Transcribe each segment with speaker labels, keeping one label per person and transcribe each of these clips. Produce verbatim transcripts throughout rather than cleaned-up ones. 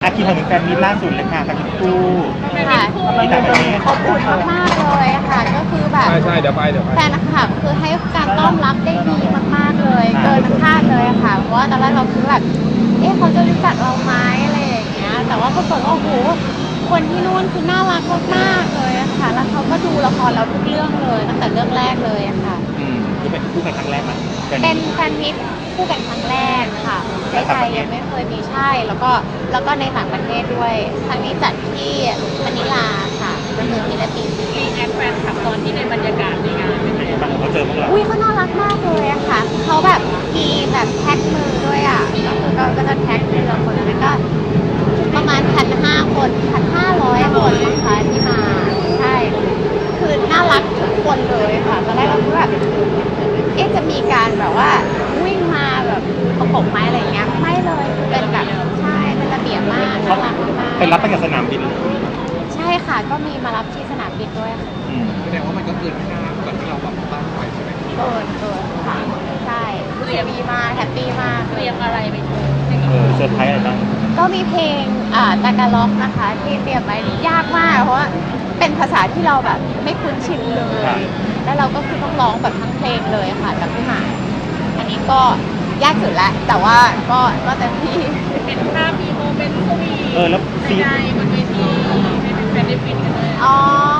Speaker 1: อาคินถึงแฟนมีตล่าสุดเลยค่ะกับคู่
Speaker 2: ค่ะ
Speaker 1: ที่ต่างประเทศ
Speaker 2: ขอบคุณมากๆเลยค่ะก็คือแบบ
Speaker 3: ใช่ใช่เดี๋ยวไปเดี๋ยวไป
Speaker 2: แฟนคลับคือให้การต้อนรับได้ดีมากๆเลย เกินคาดเลยค่ะเพราะว่าตอนแรกเราคือแบบเอ๊ะเขาจะรู้จักเราไหมอะไรอย่างเงี้ยแต่ว่าปรากฏว่าโอ้โหคนที่นู่นคือน่ารักมากๆเลยอะค่ะแล้วเขาก็ดูละครเราทุกเรื่องเลยตั้งแต่เรื่องแรกเลยอะค่ะ
Speaker 1: อืมคือเป็นคู่กันครั้งแรกมั้ย
Speaker 2: เป็นแฟนมิตรคู่กันครั้งแรกค่ะในไทยยังไม่เคยมีใช่แล้วก็แล้วก็ในต่างประเทศด้วยครั้งนี้จัดที่มะนิลาค่ะก็คือฟิลิปปินส์
Speaker 4: รีแอคแฟนคลับตอนที่ในบรรยากาศในงานเป็นไง
Speaker 1: บางคนเขาเจอพวกเรา
Speaker 2: อุ้ยเขาน่ารักมากเลยอะค่ะเขาแบบมีแบบแท็กมือด้วยอะก็คือก็ก็จะแท็กมือเราคนนั้นก็ประมาณพันห้าคนพันห้าร้อยคนนะคะที่มาใช่คือน่ารักทุกคนเลยค่ะตอนแรกเราคิดแบบเอ๊ะจะมีการแบบว่าวิ่งมาแบบประกบไม้อะไรอย่างเงี้ยไม่เลยเป็นแบบใช่เป็นระเบียบมากน่ารักมาก
Speaker 1: ไปรับตั้งแต่สนามบินเลย
Speaker 2: ใช่ค่ะก็มีมารับที่สนามบินด้วยค่ะ
Speaker 1: อืม
Speaker 3: แสดงว่ามันก็เกินคาดกว่าที่เราแบบตั้งไว้ใช่ไหม
Speaker 2: เกินเกินค่ะใช่รู้สึกดีมากแฮปปี้มาก
Speaker 4: เตรียมอะไรไปโชว์
Speaker 1: เออเซอร์ไพรส์อะไรบ้าง
Speaker 2: ก็มีเพลงอ่าตากาล็อกนะคะที่เตรียมไว้ยากมากเพราะว่าเป็นภาษาที่เราแบบไม่คุ้นชินเลย แล้วเราก็คือต้องร้องแบบทั้งเพลงเลยค่ะกับพี่หมากอันนี้ก็ยากสุดแล้วแต่ว่าก็ก็เต็มที่
Speaker 4: เป็นภาพมีโมเมนต์สวีท
Speaker 1: เออแล้วซี
Speaker 4: ใจบนเวทีให้เป็นแฟนได้ฟินกันเลย
Speaker 2: อ๋อ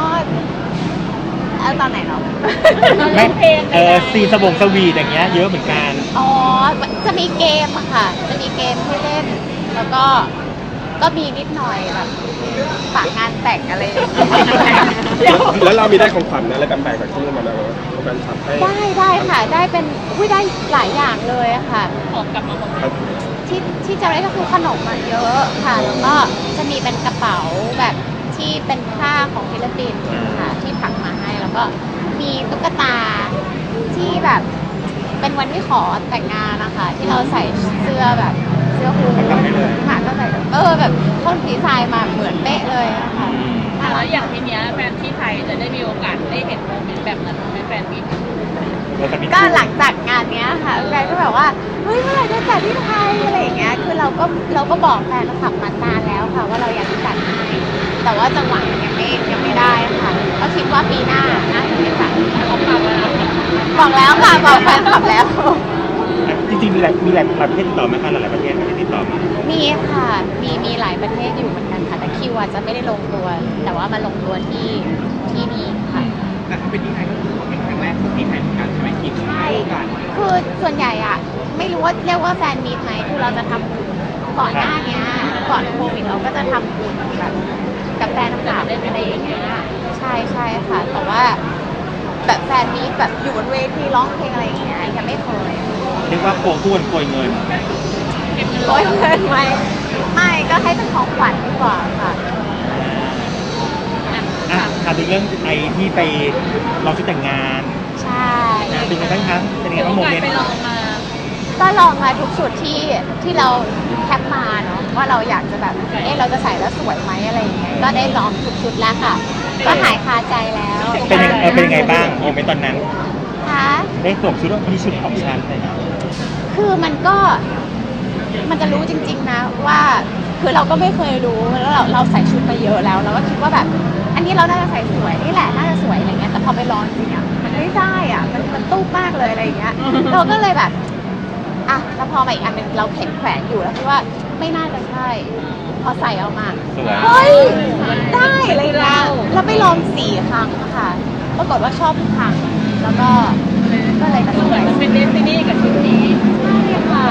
Speaker 2: เอาตอนไหนเนาะ
Speaker 1: ไม่เออซีสบงสวีทอย่างเงี้ยเยอะเหมือนกัน
Speaker 2: อ๋อ จะมีเกมอะค่ะ จะมีเกมให้เล่น แล้วก็ ก็มีนิดหน่อยแบบฝากงานแต่งอะไรอย่างเงี้ย
Speaker 3: แล้วเรามีได้ของขวัญอะไรแปลกๆจากที่นู่นมาไหมว่าแฟนคลับให้
Speaker 2: ได้ได้ค่ะ ได้เป็นอุ้ยได้หลายอย่างเลยอะค่ะ
Speaker 4: ออกกลับมาหมดเลย
Speaker 2: ที่ที่จะได้ก็คือขนมมาเยอะค่ะ แล้วก็จะมีเป็นกระเป๋าแบบที่เป็นผ้าของฟิลิปปินส์ค่ะที่ถักมาให้ แล้วก็มีตุ๊กตาที่แบบเป็นวันที่ขอแต่งงานนะคะ ที่เราใส่เสื้อแบบเสื้อฮูดค่ะก็ใส่เออแบบเขาดีไซน์มาเหมือนเป๊ะเลยอะค่ะ
Speaker 4: แล้วอย่างทีเนี้ยแฟนที่ไทยจะได้มีโอกาสได้เห็นโมเมนต์แบบนั้นไหมแฟนมี
Speaker 1: เออแต่มี
Speaker 2: ก็หลังจากงานเนี้ยค่ะแฟนก็แบบว่าเฮ้ยเมื่อไหร่จะจัดที่ไทยอะไรอย่างเงี้ยคือเราก็เราก็บอกแฟนคลับมานานแล้วค่ะว่าเราอยากจะจัดให้แต่ว่าจังหวะมันยังไม่ยังไม่ได้ค่ะก็คิดว่าปีหน้าน่าจะได้จัด
Speaker 4: เขาปรับแล้วนะ
Speaker 2: บอกแล้วค่ะบอกแฟนคลับแล้ว
Speaker 1: จริงๆมีหลายมีหลายประเทศติดต่อไหมคะหลายๆประเทศที่ติดต่อมา
Speaker 2: มีค่ะมีมีหลายประเทศอยู่เหมือนกันค่ะแต่คิวอาจจะไม่ได้ลงตัว แต่ว่ามาลงตัวที่ที่นี่ค่ะ
Speaker 3: แต่ถ้าเป็นที่ไทยก็คือเป็นครั้งแรกของที่ไทยเหมือนกันใช่ไหมคิด
Speaker 2: ใช่คือส่วนใหญ่อะไม่รู้ว่าเรียกว่าแฟนมีตไหมคือเราจะทำบุญก่อนหน้าเนี้ยก่อนโควิดเราก็จะทำบุญแบบกับแฟนคลับอะไรอย่างเงี้ยใช่ใช่ค่ะ แต่ว่าแบบแฟนมีตแบบอยู่บนเวทีร้องเพลงอะไรอย่างเงี้ยยังไม่เคย
Speaker 1: เรียกว่าโกงทุนโกยเงิน
Speaker 2: โอยเงินไหมไม่ก็ให้เป็นของขวัญดีกว่าค่ะ
Speaker 1: อ่ะถามถึงเรื่องไอที่ไปลองชุดแต่งงาน
Speaker 2: ใช่
Speaker 1: นะเป็นไงบ้างคะเป็นไงบ้างโมเมนต์
Speaker 4: ไปลองมา
Speaker 2: ก็ลองมาทุกชุดที่ที่เราแคปมาเนาะว่าเราอยากจะแบบเอ๊ะเราจะใส่แล้วสวยไหมอะไรอย่างเงี้ยก็ได้ลองทุกชุดแล้วค่ะ ก็หายคาใจแล้ว
Speaker 1: เป็นยังเออเป็นยังไงบ้างโมเมนต์ตอนนั้น
Speaker 2: คะ
Speaker 1: ได้สวมชุดว่านี่ชุดของฉันอะไรอย่างเงี้ย
Speaker 2: คือมันก็มันจะรู้จริงๆนะว่าคือเราก็ไม่เคยรู้แล้วเราเราใส่ชุดมาเยอะแล้วเราก็คิดว่าแบบ อันนี้เราน่าจะใส่สวยนี่แหละน่าจะสวยอะไรเงี้ยแต่พอไปลองจริงอ่ะมันไม่ได้อ่ะมันมันตู้มากเลยอะไรอย่างเงี้ย เราก็เลยแบบอ่ะแล้วพอมาอีกอันหนึงเราเห็นแขวนอยู่แล้วคิดว่าไม่น่าจะใช่พอใส่ออกมา
Speaker 1: สวย
Speaker 2: เฮ้ยได้อะไรเงี้ยแล้วไปลองสี่ครั้งค่ะปรากฏว่าชอบทุกครั้งแล้วก็ก็เลยตัดสิน
Speaker 4: เห
Speaker 2: ใจ
Speaker 4: มือนเป็นเดสตินีกับชุดนี้
Speaker 2: ใช่ค่ะ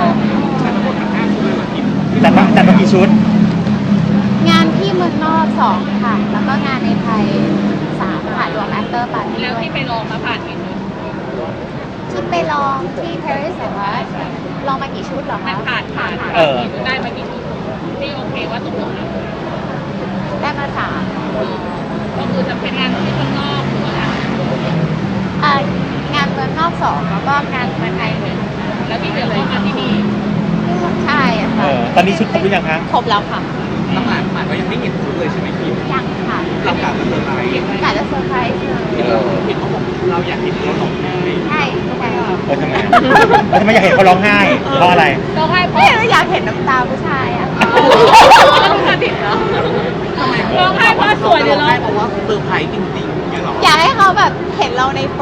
Speaker 1: จัดมาจัดมากี่ชุด
Speaker 2: งานที่เมืองนอกสองค่ะ แล้วก็งานในไทยสามค่ะรวมแอคเตอร์ปาร์ตี้
Speaker 4: แล้ว
Speaker 2: ด้วย
Speaker 4: ที่ไปลองมาผ่านกี่ชุด
Speaker 2: ที่ไปลองที่ปารีสเหรอคะลองมากี่ชุดเหรอ
Speaker 4: มั
Speaker 2: คะ
Speaker 4: นผ่านผ่าน
Speaker 1: เออ
Speaker 4: ได้มากี่ชุดที่โอเคว่าตกลงแล้ว
Speaker 2: ได้มาสาม
Speaker 4: ก็คือจะเป็นงานที่ข้างนอกหรือว่า
Speaker 2: เอ่องานเมืองนอกสองแล้วก็งานเมืองไทยหนึ่ง
Speaker 4: แล้วที่เหลือก็มาที่นี่
Speaker 2: ใช่อะ
Speaker 1: เอ
Speaker 2: ค่ะ
Speaker 1: อตอนนี้ชุดครบหรือยังคะ
Speaker 2: ครบแล้วค่ะ
Speaker 3: ตั้งหลายหมายว่ายังไม่เห็นชุดเลยใช่ไหมคิด
Speaker 2: ยังค่ะ
Speaker 3: เรากลับมาเซอร์ไพรส์
Speaker 2: กะจะเซอร์ไพรส์เลย
Speaker 3: เห็นเราเห็นเขาบอกเราอยากเห็นเราหลงไห้
Speaker 2: ใช่ใช่
Speaker 1: เออทำไมอะแล้วทำไมอยากเห็นเขาร้องไห้เพราะอะไร
Speaker 4: ต้องให้เพ
Speaker 2: ไม่
Speaker 4: ราะ
Speaker 2: รู้อยากเห็นน้ำตาผู้ชายอ่ะ
Speaker 4: ท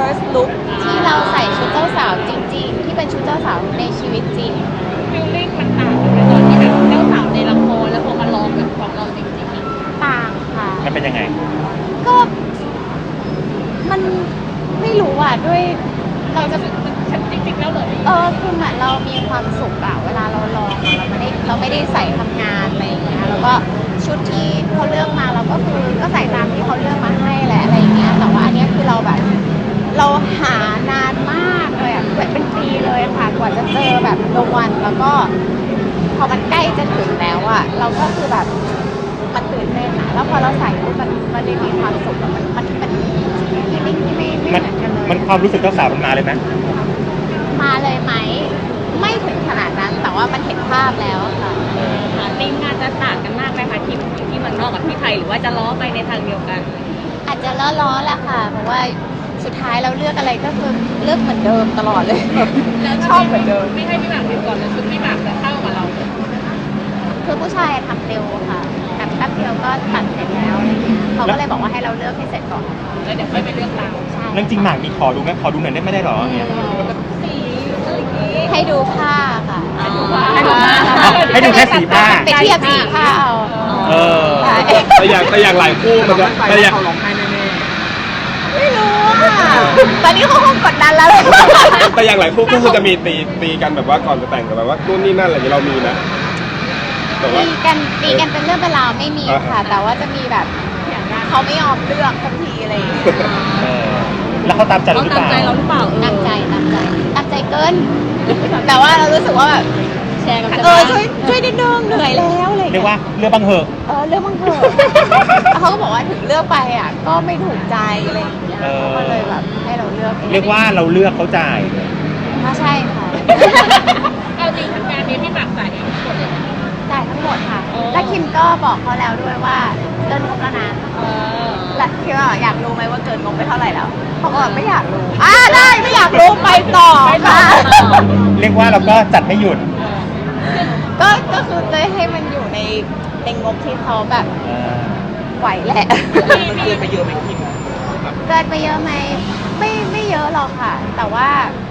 Speaker 2: first look ที่เราใส่ชุดเจ้าสาวจริงๆ ที่เป็นชุดเจ้าสาวในชีวิตจริง
Speaker 4: ฟิลลิ่งมันต่างกันไหมตอนที่แบบเจ้าสาวในละครแล้วพอมาลองแบบของเราจริงๆอะ
Speaker 2: ต่างค่ะ
Speaker 1: มันเป็นยังไง
Speaker 2: ก็มันไม่รู้อ่ะด้วยเราจะ
Speaker 4: ฉันจริงๆแล้วเลย
Speaker 2: เออคือเหมือนเรามีความสุขอะเวลาเราลองอะเราไม่ได้เราไม่ได้ใส่ทำงานอะไรอย่างเงี้ยแล้วก็ชุดที่เขาเลือกมาเราก็คือก็ใส่ตามที่เขาเลือกมาให้แหละอะไรอย่างเงี้ยแต่ว่าอันเนี้ยคือเราแบบ เราหานานมากเลยอะเป็นปีเลยค่ะกว่าจะเจอแบบรางวัลแล้วก็พอมันใกล้จะถึงแล้วอะเราก็คือแบบมันตื่นเต้นอะแล้วพอเราใส่ปุ๊บมันมันได้มีความสุขอะมันมันมันที่ไม่ที่ไม่ไม่เห
Speaker 1: มัน
Speaker 2: มือนกันเลย
Speaker 1: มันความรู้สึกเจ้าสาวมันมาเลยไหม
Speaker 2: มาเลยไหมไม่ถึงขนาดนั้นแต่ว่ามันเห็นภาพแล้วอะค่ะ
Speaker 4: ทีมงานจะต่างกันมากไหมคะที่ที่เมืองนอกกับที่ไทยหรือว่าจะล้อไปในทางเดียวกัน
Speaker 2: อาจจะล้อๆแหละค่ะเพราะว่าสุดท้ายเราเลือกอะไรก็คือเลือกเหมือนเดิมตลอดเลย
Speaker 4: แล้ว
Speaker 2: ชอบเหมือนเดิม
Speaker 4: ไม่ให้พี่หมากเห็นก่อนเลยชุดพี่หมากจะเข้ากับเรา
Speaker 2: คือผู้ชายทำเร็วค่ะแบบแป๊บเดียวก็ตัดเสร็จแล้วอะไรเงี้ยเขาก็เลยบอกว่าให้เราเลือกให้เสร็จก่อน
Speaker 4: แล้วเดี๋ยวค่อยไปเลือกเรา
Speaker 2: ใช่
Speaker 1: เรื่องจริงหมากมีขอดูไหมขอดูหน่อยได้ไม่ได้หรอเนี่ย
Speaker 4: แบบสีอะไรอย่างงี้
Speaker 2: ให้ดูผ้าค่ะ
Speaker 4: ให้ดูผ้า
Speaker 1: ให้ดูแค่สีผ้า
Speaker 2: ไปเทียบสีผ้าเอา
Speaker 1: เออ
Speaker 2: ใช่
Speaker 5: แต่อย่างแต่อย่างหลายคู่มันจะแต่อย่าง
Speaker 3: เขาร้องไห้แน่
Speaker 2: ไม่รู้อ่ะตอนนี้เขาคงกดดันแล้ว
Speaker 5: แต่อย่างหลายคู่ก็คือจะมีตีตีกันแบบว่าก่อนจะแต่งกันแบบว่านู่นนี่นั่นอะไรอย่างเงี้ยเรามีนะแบบว่า
Speaker 2: ตีกันตีกันเป็นเรื่องเป็นราวไม่มีค่ะ แต่ว่าจะมีแบบเขาไม่ยอมเลือกสักทีอะไรอย่างเงี้ย
Speaker 1: เออแล้วเขาตามใจเรา
Speaker 4: เขา
Speaker 1: หรือ
Speaker 4: ตาม
Speaker 1: เปล่า
Speaker 4: ใจเราหรือเปล่า
Speaker 2: ตามใจตามใจตามใจเกิน แต่ว่าเรารู้สึกว่าแบบ
Speaker 4: แชร์กับ
Speaker 2: เออช่วยช่วยนิดนึงเหนื่อยแล้วอะไรอย่าง
Speaker 1: เรีย
Speaker 2: เงี้
Speaker 1: ก
Speaker 2: ย
Speaker 1: ว่าเรื่องบังเหอะ
Speaker 2: เออเลือกบ้างเถอะแล้วเขาก็บอกว่าถึงเลือกไปอ่ะก็ไม่ถูกใจอะไรอย่างเงี้ย
Speaker 1: เออ
Speaker 2: เขาก็เลยแบบให้เราเลือกอง
Speaker 1: เรียกว่าเราเลือกเขาจ่าย
Speaker 2: ก็ใช่ค่ะ
Speaker 4: เอาจริงทำงานนี้พี่หมากจ่ายเองทั้งหมดเลยนะ
Speaker 2: จ่ายทั้งหมดค่ะ
Speaker 4: โอ้
Speaker 2: และคิมก็บอกเขาแล้วด้วยว่าเกินงบแล้วนะ
Speaker 4: เออ
Speaker 2: และคิมว่าอยากรู้ไหมว่าเกินงบไปเท่าไหร่แล้วเขาก็บอกไม่อยากรู้อ่าได้ไม่อยากรู้ไปต่อค่ะ
Speaker 1: เรียกว่าเราก็จัดไม่หยุด
Speaker 2: ก็ก็คือจะให้มันอยู่ในในงบที่เขาแบบ
Speaker 1: เออ
Speaker 2: ไหวแหละ
Speaker 3: ๆมันเกินไปเยอะไหมคิมแบบ
Speaker 2: เกินไปเยอะไหมไม่ไม่เยอะหรอกค่ะ แต่ว่า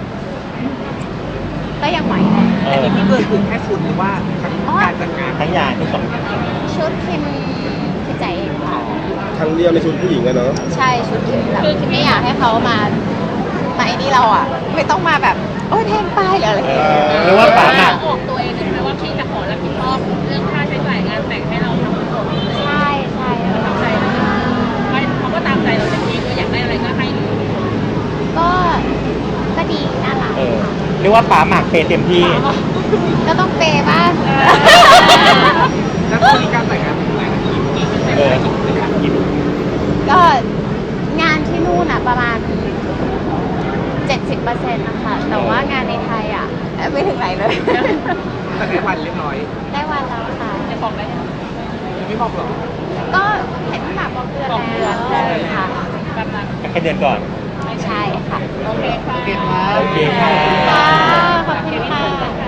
Speaker 2: ก็ยังไหวแหละ
Speaker 1: เอ
Speaker 3: อัน
Speaker 1: อ
Speaker 3: นี้พี่เกินคือแค่ชุดหรือว่าทั้งการจัดงาน
Speaker 1: ทั้งอย่างทุกสองอย่าง
Speaker 2: ชุดคิมคือใจเองค่ะ
Speaker 5: ครั้งเดียวในชุดผู้หญิงอะเนาะ
Speaker 2: ใช่ชุดคิมแบบคิมไม่อยากให้เขามามาไอ้นี่เราอ่ะ ไม่ต้องมาแบบโอ้ยแพงไปหรืออะไรอย่างเงี้ย
Speaker 1: เรียกว่าป๋าหมาก
Speaker 4: ออกตัวเองใช่ไหมว่าพี่จะขอรับผิดชอบเรื่องค่าใช้จ่ายงานแต่งให้เราทั้งหมดเลย
Speaker 2: ใช่ใช่
Speaker 4: ตามใจเราไม่เขาก็ตามใจเราแต่พี่ก็อยากได้อะไรก็ให้เลย
Speaker 2: ก็ก็ดีน่ารัก
Speaker 1: เออเรียกว่าป๋าหมากเปย์เต็มที่
Speaker 2: ก็ต้องเปย์บ้าง
Speaker 3: แล้วมีการแต่งงานเป็นไงนะคิมกี่เปอร์เซ็นต์
Speaker 1: เออ
Speaker 3: กี่เปอร์เซ็นต์
Speaker 2: ก็งานที่นู่นอ่ะประมาณ เจ็ดสิบเปอร์เซ็นต์นะคะ แต่ว่างานในไทยอ่ะไม่ถึงไหนเลย
Speaker 3: แต่ในวันเรียบร้อย
Speaker 2: ได้วันแล้วค่ะ
Speaker 4: จะบอกได้ไหม
Speaker 3: ยังไม่บอกหรอก
Speaker 2: ก็เห็นที่หมากบอกเดือน
Speaker 4: บอกเดือน
Speaker 2: แล้วค่ะ
Speaker 4: แบบนั้น
Speaker 1: แค่เดือนก่อน
Speaker 2: ใช่ค่ะ
Speaker 4: โอเคค่ะ
Speaker 3: โอเคครับ
Speaker 1: โอเคค่ะ
Speaker 2: ค่ะขอบคุณค่ะ